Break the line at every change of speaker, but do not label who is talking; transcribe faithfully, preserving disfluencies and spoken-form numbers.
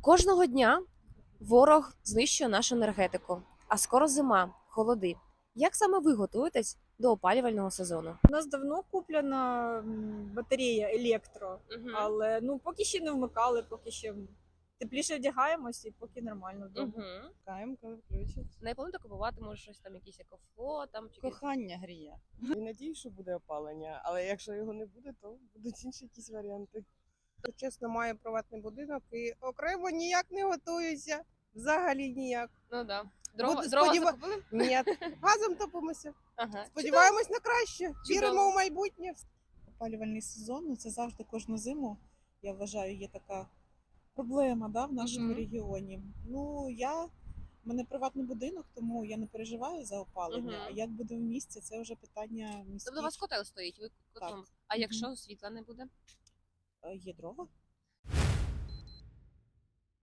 Кожного дня ворог знищує нашу енергетику, а скоро зима, холоди. Як саме ви готуєтесь до опалювального сезону?
У нас давно куплена м, батарея електро, але ну поки ще не вмикали, поки ще тепліше вдягаємось і поки нормально вдома.
Угу.
Чекаємо, коли включать.
Не плануєте купувати, може, щось там, якісь екофло, там чи якісь-
Кохання гріє. І надію, що буде опалення, але якщо його не буде, то будуть інші якісь варіанти. Чесно, маю приватний будинок і окремо ніяк не готуюся. Взагалі ніяк.
Ну да. Дрова,
Буду
дрова
сподіва-
закупили?
Ні, газом топимося.
Ага.
Сподіваємось на краще. Віримо
Чудово.
в майбутнє.
Опалювальний сезон, ну це завжди кожну зиму, я вважаю, є така проблема, да, в нашому
Мгм.
регіоні. Ну, я, в мене приватний будинок, тому я не переживаю за опалення.
Мгм.
А як буде в місті, це вже питання міських.
Тобто у вас котел стоїть, ви котлом.
Так.
А
Мгм.
якщо світла не буде?
Е, Є дрова.